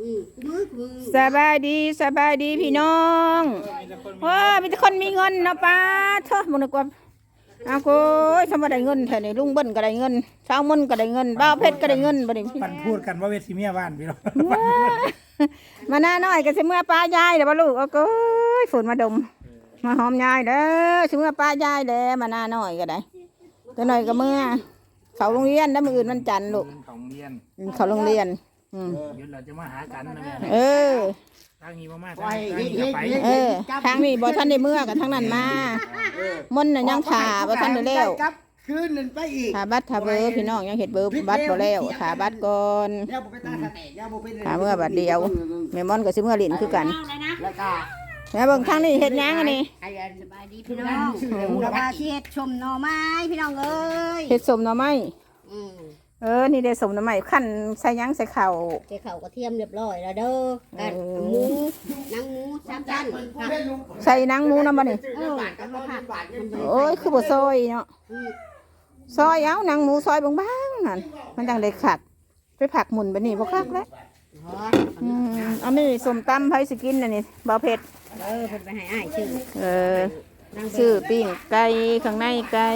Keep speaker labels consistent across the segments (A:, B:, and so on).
A: สบายดีพี่น้องว้ามีแต่คนมีเงินเนาะป้าเถอะมึงนึกว่าเอาโก้ยสมบัติได้เงินแถวนี้ลุงเบิ้ลก็ได้เงินชาวมนก็ได้เงินบ้าวเพชรก็ได้เงินบ่ได้
B: ปันพูดกันว่าเวทีเมียบ้านพี่น้อง
A: มาหน้าน้อยก็สิเมื่อป้ายายเด้อบ่ลูกเอาโก้ยฝนมาดมมาหอมยายเด้อสิเมื่อป้ายายเด้อมาหน้าน้อยก็ได้ตัวน้อยก็เมื่อเขาโรงเรียนแล้วมื้ออื่นวันจันทร์ลูก
B: ของเรียน
A: เขาโรงเรียน
B: เดี๋ยวเราจะมาหากันนะแม่
A: เออ
B: ทางนี้มาทางนี้ก็ไป
A: เออทางนี้บ่ทันได้เมื่อกับทางนั้นมา มนต์น่ะยังถ่าบ่ทันได้แล้ว
C: ครับคืนนึงไปอีก
A: ถ่าบัตรถ่าเบอร์พี่น้องยังเฮ็ดเบอร์บัตรบ่แล้วถ่าบัตรก่อน
C: ย่าบ่ไปตาสแตกย่าบ่ไป
A: ถ่าเมื่อบัดเดียวแม่มอนก็สิเมื่อลิ้นคือกัน
C: แล้วก็
A: แม่เบิ่งทางนี้เฮ็ดหยังอันนี้
C: ไอ้สบายดีพี่น้องสบายที่เฮ็ดชมหน่อไม้พี่น้องเอ้ย
A: เฮ็ดสมหน่อไม้
C: อืม
A: นี่ได้สมหน่อไม้คั่นใส่หยังใส่ข้าว
C: ใส่ข้าวกระเทียมเรียบร้อยแล้วเด้อกันหมูหนังหมู3ชั้นผัก
A: ใส่หนังหมูนำบ่นี่
C: กับผัก
A: โอ้ยคือบ่ซอยเนาะซอยเอาหนังหมูซอยบางๆนั่นมันจังได้คักไปผักหมุนบัดนี้บ่คักแล้วอันนี้ส้มตำไผสิกินอันนี้บ่เผ็ด
C: เพิ่นไปให้อ้ายชื่อ
A: ซื้อปิ้งไก่ข้างในไก่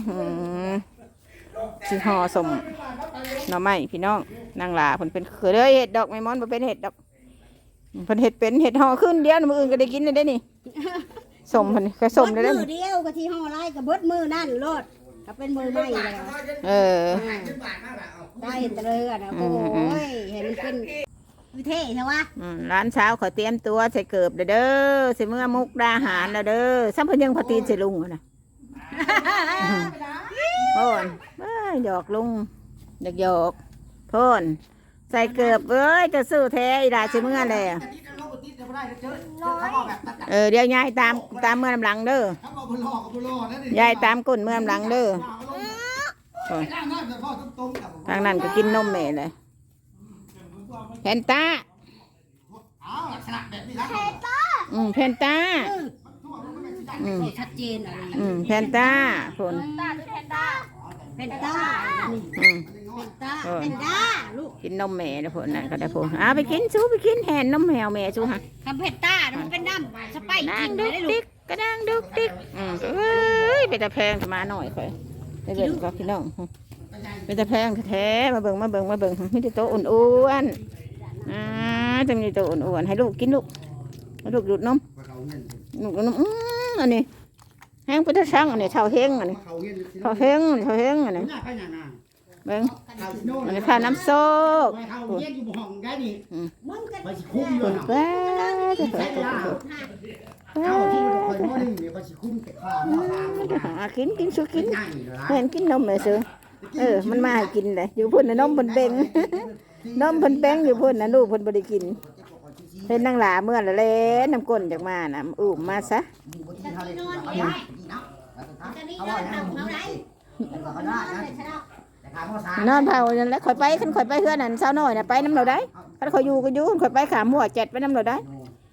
A: สิห่อสมหน่อไม้พี่น้องนางหลาเพิ่นเป็นเคยเห็ดดอกไม้มอนบ่เป็นเห็ดดอกเพิ่นเห็ดเป็นเห็ดห่อขึ้นเดียวมื้ออื่นก็ได้กินได้นี่สมเพิ่นก็สมได้
C: มือเดียวกะที่ห่อไร่กับเบิดมือนั่นโลดก็เป็นมือใหม่แล้ว ได้เตลอนะโอ้ยเห็นมันเป็นวิเท่ใช่ไหม
A: ร้านเช้าขอเตรียมตัวใส่เกือบเด้อสิเมื่อมุกดาหารเด้อซ้ำเพิ่นยังพอตีนใส่ลุงนะพ่นหยอกลุงหยอกพ่นใส่เกือบเอ้ยจะซื้อแท้อีดาสิเมื่อเลยเดี๋ยวยายตามเมื่อลำหลังเด้อยายตามก้นเมื่อลำหลังเด้อทางนั้นก็กินนมแม่เลยเพนต้าเพนต้า
C: ชัดเจนอะไร
A: เพนต้าคน
C: เพนต้าลูก
A: กินนมแม่นะคนนั่นก็ได้คนไปกินสู้ไปกินแหนนมแมวแม่สู้ฮะ
C: คำเพนต้ามันเป็นน้ำสไปซ์
A: นาง
C: กิน
A: ดุ
C: ได้
A: ก
C: ลู
A: ดิ
C: ก
A: กกระดังดุกดิกไปแต่แพงมาหน่อยค่อยไปเบิ่งกับพี่น้องไปแต่แพงแท้มาเบิ่งไม่ได้โตอ้วนจะมีโตอ้วนให้ลูกกินลูกให้ลูกดูดนมอันนี้แห้งไปทั้งช่างอันนี้เท่าเฮงอันนี้เท่าเฮงอันนี้เบิ่งอันนี้ข้าน้ำโซ่คนแก่กินสู้กินเห็นกินนมเลยซื้อมันมาให้กินเลยอยู่พุ่นนมพุ่นเบ่งนมพุ่นแป้งอยู่พุ่นนะลูกพุ่นบริกินเป็นนางหลาเมื่อละเล่น้ำก้นจากมานะมาซะนอนเผานั่นแหละข่อยไปขันข่อยไปเพื่อนนั่นเช้าน้อยน่ะไปน้ำเราได้ขันข่อยอยู่ก็อยู่ข่อยไปขาหมวดเจ็ดไปน้ำเราได้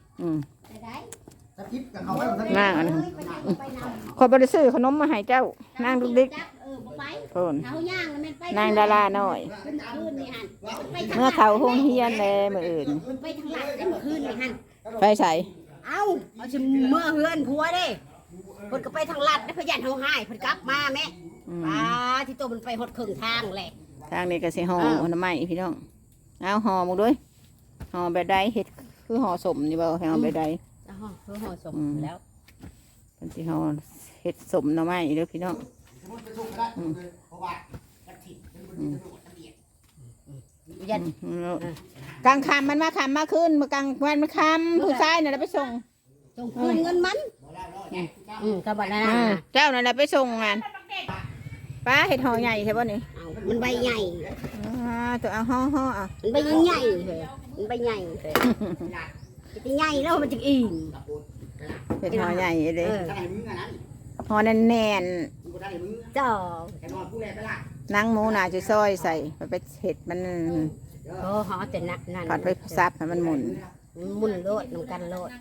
A: นางอันนี้ข่อยบริสุทธิ์ขนมมาให้เจ้านางดุกดิกนางดาราหน่อยเมื่อเขาห้องเฮียนเลยมืออื่นไปใส่
C: เอาชิเมื่อเฮือนผัวเด้เพิ่นก็ไปทางลัดได้พยันเฮาหายเพิ่นกลับมาแม่ที่ตัวมันไปหดครึ่งทางแหละ
A: ทางนี้ก็สิห่อหน่อไม้พี่น้องเอาห่อหมดด้วยห่อแบบใดเห็ดคือห่อสมนี่บ่ห่อแบบใด
C: คือห่อสมแล้ว
A: เป็นสิห่อเห็ดสมหน่อไม้เด้อพี่น้องกลางคำมันมาคำมาขึ้นมากลางวันมันคำผู้ชายน่ะไปส่ง
C: คืนเงินมันกระบะนั่น
A: เจ้านั่นแหละไปส่งงานป้าเห็ดห่อใหญ่ใช่ป่ะนี่
C: มันใบใหญ่
A: ตัวเอาห่อ
C: มันใบใหญ่เลยมันใบใหญ่เลยจะใหญ่แล้วมันจะอิ่ม
A: เห็ดห่อใหญ่เลยห่อแน่น
C: จ้า
A: นั่งหมูน่าจะซอยใส่ไปเห็ดมัน
C: ห่อแต่นักนั่น
A: ผัดไปซับให้มันหมุน
C: โลดน้ำกันโลด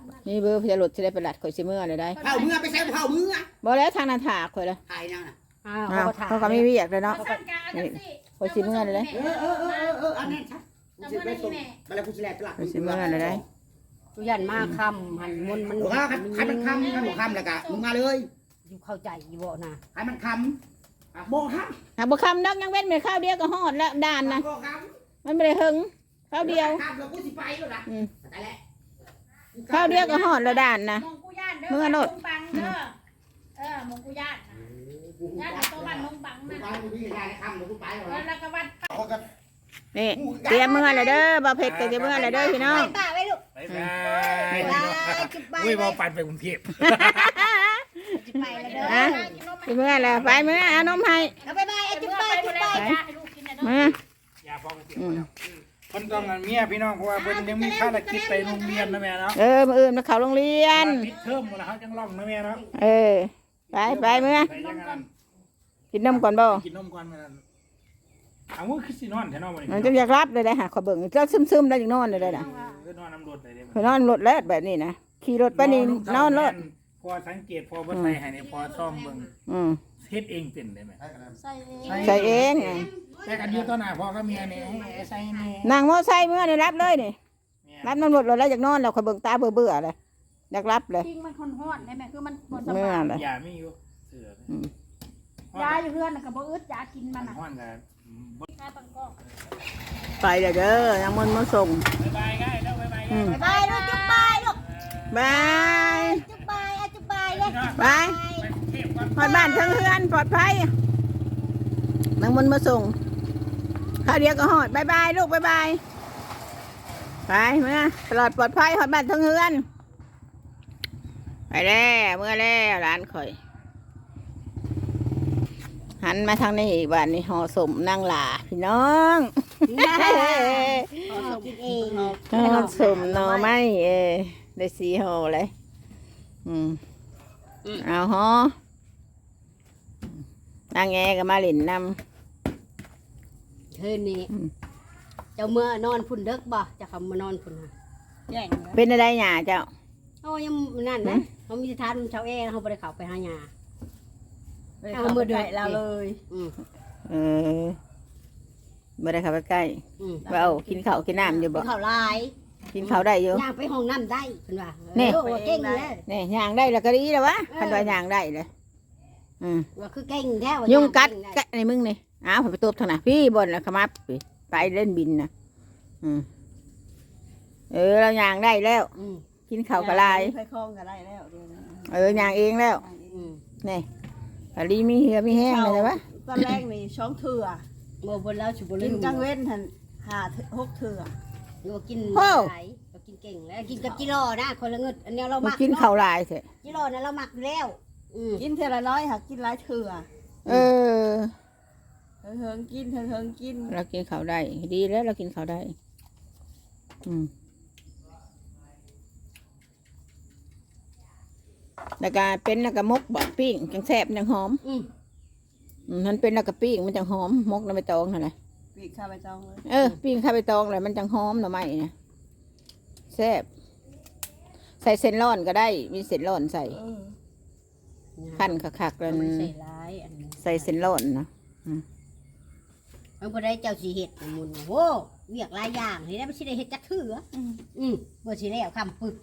A: นี่เบอร์พยารถสิได้ไปลัดข่อยสิเมื่อเลยได้
C: เข้าเมื่อไปใช้เข้าเมื่อ
A: บ่แล้วทางนั้นถากข่อยละ
C: ถ่ายนั่นน่ะ
A: อ้าวเขาก็มีเวียกเลยเนาะนี่ข่อยสิเมื่อเลยได้
C: อันนั้นชัดกูจะไปส่งไปแล้วกูจะแลกไปละ
A: ข่อยสิเมื่อเลยได้
C: ตุยันมาคำหันมัน
D: บอกว่าใครมันคำใครบอกคำแล้วกะมึงมาเลย
C: อยู่เข้าใจอยู่บ่นะ
D: ใครมันคำบอกค
A: หาบ่คำดอกยังเว้นไปข้าวเดียวก็ฮอดแล้วด่าน
D: ำ
A: นะ
D: บอกค
A: มันไม่ได้หึงข้าว
D: ำ
A: เดียว
D: คำแล้วกูสิไปแล้วนะ
A: อืม
D: ตายแล้ว
A: ข้าวเดียวก็ฮอดแล้วด่านนะ
E: มงกุญาตเด้อ
A: เมื่อโลด
E: มงบังเด้อมงกุญาตญาติตัวบ้านมงบัง
D: กู
E: นะ
D: ไปกูพี่ได้คำแล้วกูไปแล้ว
E: แล้วก็วัด
D: เขาก็
A: นี่เตรียมเมื่อเลยเด้อบ่เผ็ดก็จะเมื่อเลยเด้อพี่น้อง
C: ป้าไว้ลูก
B: ไปไป
C: จุดไป
B: อุ้ยบ่ปั่นไปกรุงเทพ
C: จุดไปแล้วเด้อ
A: ฮะสิเมื่อแล้วไปเมื่อเอานมให้
C: เอาไปจุดไปจุดไป
E: ให้ลูกกินนะเนาะ
A: มา
B: อย่าพอไปเที่ยวแล้วคนต้องงานเมียพี่น้องเพราะว่าเพิ่นยังมีภารกิจไปโรงเรียนนะแม่เนาะ
A: มื้ออื่นมาเข้าโรงเรียน
B: ปิดเทอมหมดแล้วเขาจังล่องนะแม่เนาะ
A: ไปเมื่อ
B: ไปยังไง
A: กินนมก่อนบ่
B: กินนมก่อนแม่นั่นเอามือคือสินอนแท้เนาะมื้อนี้
A: มันจะอยากรับเลยได้หาขอเบิ่งก็ซึมๆได้อย่างนอนเลยนะ
B: คือนอนน้ำรถได้เด้
A: ขอนอนรถแล้วแบบนี้นะขี่รถไปนี่นอนรถ
B: พอสังเกตพอบ่ใส่ให้นี่พอซ่อมเบิ่ง
A: อืม
B: เฮ็ดเองเป็นได้ไหม
E: ใส่
A: ใส่เอง
B: แต่กันอยู่ต่อหน้าพ่อกับเมียนี่ให้ใส่นี่
A: นางมอไซค์เมื่อนี่รับเลยนี่รับน้ำรถแล้วอยากนอนแล้วขอเบิ่งตาเบื่อเลยอยากรับเลย
E: จริงมันคนฮอดได้ไหมคือมันบ่ส
A: เมื่อบ
E: าย
A: เลย
B: อย่ามีอยู่เสือย
E: าอยู่เฮือนน่ะก็บ่อึดยากินมันน่ะ
B: ฮ้อนกัน
E: ยาตังกอก
A: ไปเลยเด้อนางมนต์มาส่ง
B: บ๊ายบายง่ายแล้วบ๊ายบายง่าย
C: ไปลูกจุดไปลูก
A: บาย
C: จุดไปจุดไปเลย
A: บาย
B: ไปกรุงเทพก่อน
A: พอดบ้านทั้งเฮือนปลอดภัยนางมนต์มาส่งข้าวเดียวก็หอดบายลูกบายไปเมื่อตลอดปลอดภัยหอดบ้านทั้งเฮือนไปแล้วเมื่อแล้วร้านข่อย หันมาทางนี้อีกบ้านนี้ห่อสมนางหลาพี่น้อง
C: กินเอง
A: ห่อสมหน่อไม้ได้สีห่อเลยเอาห่อนางแงก็มาหลินน
C: เฮ้ยนี่เจ้าเมื่อนอนพุ่นเด็กบ่จะคำมานอนพุ่นฮะ
E: แย่ง
A: ำเป็นอะไรหยาเจ้า
C: เขายังนั่นนะเขามีทานเช้าเขาไปเขาไปหาหยาเอามือเดือดเราเลย
A: ไม่ได้เข้าไปใกล้ว่าเอากินข้าวกินน้ำอยู่บ่
C: เขาลาย
A: กินข้าวได้อยู่
C: ย่างไปห้องน้ำได้คุณว่า
A: นี่
C: เก่งเลย
A: นี่ย่างได้แล้วก็ดีแล้ววะคันว่าย่างได้เลย
C: ว่าคือเก่งแท้
A: ยุงกัดในมึงนี่อ้าวผมไปตบทางไหนพี่บนแล้วขมับไปเล่นบินนะเราย่างได้แล้ว กินข้าวกะลาย
F: ไปคล้องกันได้แล้วเดี๋ยวนี้
A: ย่างเองแล้วนี่กะลีมีเหือมีแห้งเลยวะ
F: ตอนแรกนี่ช่องเถื่อ
C: โมบนแล้วฉุบลื
F: กิน
C: ม
F: กลางเว้นหัน6 เถื่อ
C: โมกินไหลเรากินเก่งแล้วกินกับจิโร่นะคนละเงินอันนี้เราหมัก
A: กินข้าวลายเถอะ
C: จิโร่นะเราหมักแล้ว
F: กินเท่าละน้อยหักกินหลายเถื่อ
A: เออ
F: เฮิงกินเฮิงกิน
A: เรากินข้าวได้ดีแล้วเรากินข้าวได้แล้วก็เป็นแล้วก็มกบดปิ้งจังแซ่บจังหอมมันเป็นแล้วก็ปิ้งมันจังหอมมกน้ำใบตองนั่นแหละ
F: ปีกข้าไปจองเลย
A: ปิ้งข้าวใบตองเลยมันจังหอมหน่อไม้นะแซ่บใส่เส้นร้อนก็ได้มีเส้นร้อนใส่ขั้นคักๆแล้ว
C: ใส่ร้ายอันนี้
A: ใส่เส้นร้อนนะ
C: มันก็ได้เจ้าสีเห็ดมุนโว้เวียกหลายอย่างนี่ได้ไม่ใช่ได้เห็ดจักเถื่อเมื่อสีแล้วคำปึก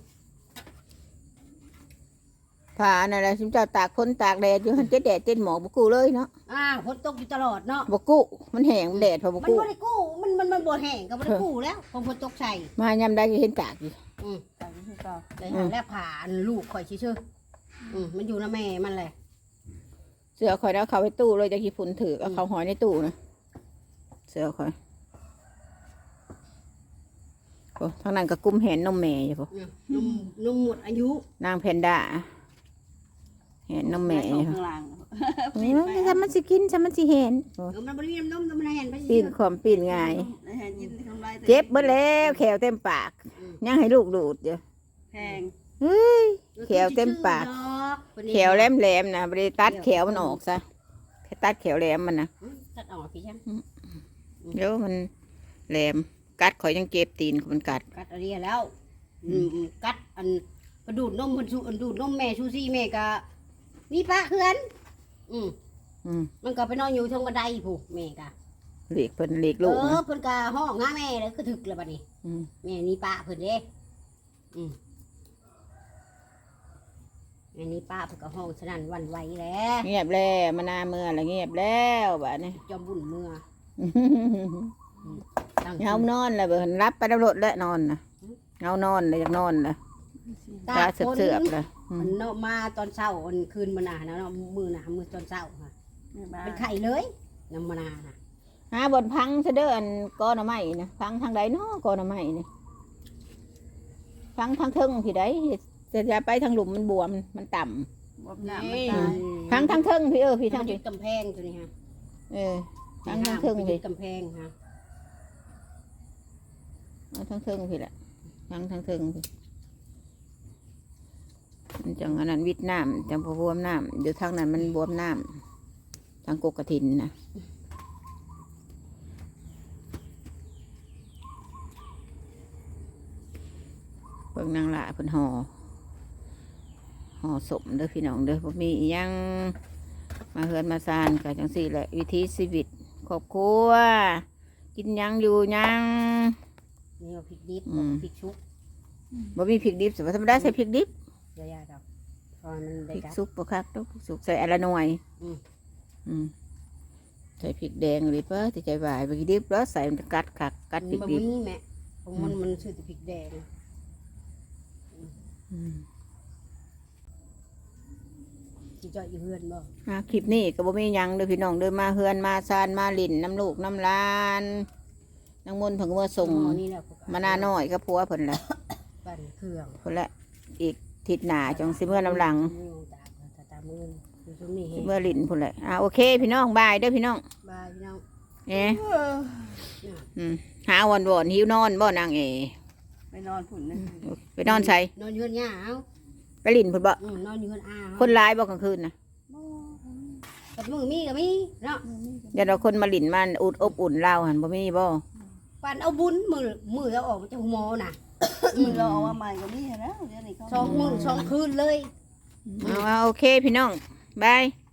A: ผ่านั่นแหละชิมเจ้าตากพ้นตากแดดอยู่หันเจ๊แดดเจ๊หมอกบกู้เลยเนาะ
C: ฝนตกอยู่ตลอดเนาะ
A: บกู้มันแห้งแดดพอบ
C: มัน
A: กู้
C: บ่ได้กู้มันบ่แห้งก็บ่ได้กู้แล้วพอฝนตกใส่
A: มายำได้ก็เห็นตากอยู่
F: ต่างที่เก่า
C: ได้หาแล้วผ่าลูกข่อยชื่อมันอยู่นะแม่มันเลย
A: เสือคอยแล้วเขาไปตู้เลยจะขี้ฝุ่นถือเอาเขาหอยในตู้นะเสือคอยโอ้ทางนั้นก็กุ้มแหนนมแม่อยู่พอ
C: นุ่มหมดอายุ
A: นางแพนด้าแหนนมแม่อยู่
F: ข้างล่าง
A: ถ้ามันสิกินถ้ามันสิเห็น
C: มันบ่มีน้ำนมมันเห็นไป
A: ปีนความปีนง่าย
F: เห็นยินทำลาย
A: เจ็บเบิดแล้วแขวเต็มปากยังให้ลูกดูดอยู่
F: แพง
A: เฮ้ยแขวเต็มปากแขวแหลมๆนะบริตัดแขวมันออกซะแค่ตัดแขวแหลมมันนะ
C: ตัดออกพี่ช่าง
A: เดี๋ยวมันแหลมกัดข่อยยังเจ็บตีนมันกัด
C: กัดอะไรแล้วกัดอันไปดูดนมเพิ่นสูดูดนมแม่ชูซี่แม่ก็มีปะคือกันอืมมันก็ไปนอนอยู่ทางบันไดผู้แม่ก็
A: หลีกเพิ่นหลีกลูกนะ
C: เพิ่นก็ห้องหาแม่แล้วก็ถึกแล้วบัดนี้แม่นี่ปะเพิ่นเด้แม่นี่ปะเพิ่นก็ห้องสนั่นหวั่นไหวแล้ว
A: เงียบแล้วมานาเมื่อละเงียบแล้วบัดนี้
C: จอมบุญเมื่อ
A: เฮานอนแล้วเบิ่นรับไปตำรวจแล้วนอนน่ะเฮานอนเลยอยากนอนน่ะตาเสือบๆเลย
C: มันเนาะมาตอนเช้าวันคืนมื้อหน้านะเนาะมื้อหน้ามื้อตอนเช้าค่ะ
F: แม่บ้า
C: เป็นไข่เลยน้ำมะนาวน่ะ
A: หาบนพังซะเด้ออันกอหน่อไม้นะพังทางใดเนาะกอหน่อไม้นี่พังทางเทิงพี่ใดจะไปทางหลุมมันบวมมันต่ำ
F: บวมหน้ามันตาย
A: พังทางเทิงพี่พี่
C: ทา
A: ทาง ง
C: จุ
A: พี่
C: ดกำแพงตัวนี้ฮะ
A: พังทางเทิง
C: จุ
A: พี่
C: ดกำแพงฮะ
A: ทางเทิงพี่แหละพังทางเทิงพี่มันจังอันนั้นวิดน้ำจังบวมน้ำเดี๋ยวทางนั้นมันบวมน้ำทางกกกระถินนะเบิ่งนางละเพิ่นห่อสมเด้อพี่น้องเด้อบ่มีอิหยังมาเฮือนมาซานก็จังซี่แหละวิถีชีวิตครอบครัวกินหยังอยู่หยัง
C: นี่ว่าพริกดิบพริกชุบ
A: บ่มีพริกดิบสมธรรมดาใส่พริกดิบ
C: เยอะๆดอกตอนมัน
A: พ
C: ได้
A: ริก
C: กับ
A: ซุปบ่คักดอกพริกซุปใส่อนละหน่วยใส่พริกแดงหรือเปล่าที่ใจหวายพริกดิบแล้วใส่มันจะกัดคักกัดพริก
C: มัน
A: ดิบ
C: มีแม่ของมันชื่อแต่พริกแดงที่จอดอยู่เฮือนบ่
A: คลิปนี้ก็บ่มีหยังเด้อพี่น้องเด้อมาเฮือนมาซานมาลิ่นน้ำลูกน้ำหลานนางมนต์เพิ่นก็มาส่ง
C: นี่แหละ
A: มาหน้าน้อยกับผัวเพิ่นแหละ
C: ปั่นเครื่อง
A: เพิ่นแหละอีกทิศหน้าจังสิเมื่อน้ำหลัง
C: ตามมืออยู่ตรงนี้
A: สิเมื่อลิ่นพุ่นแหละโอเคพี่น้องบายเด้อพี่น้อง
C: บายพี่น้อง
A: หาวันบ่อนหิวนอนบ่นางเอ
F: ไปนอนผุ่นนะ
A: ไปนอนใส่
C: นอนอยู่เฮือนย่าเอา
A: ไปลิ่นพุ่นบ่
C: นอนอยู่เฮือนอา
A: คนร้ายบ่กลางคืนนะ
C: กับมือมีก็มีเนาะ
A: อย่าเราคนมาลิ่นมันอุดอบอุ่นเราหันบ่มีบ่
C: ปั่นเอาบุญมือเอาออกมาจากหัวหมอน่ะ
F: มือเราเอามาใหม่ก็มีนะเดี๋ยวนี้เขา
C: 2 มื้อ 2 คืนเลย
A: โอเคพี่น้องบาย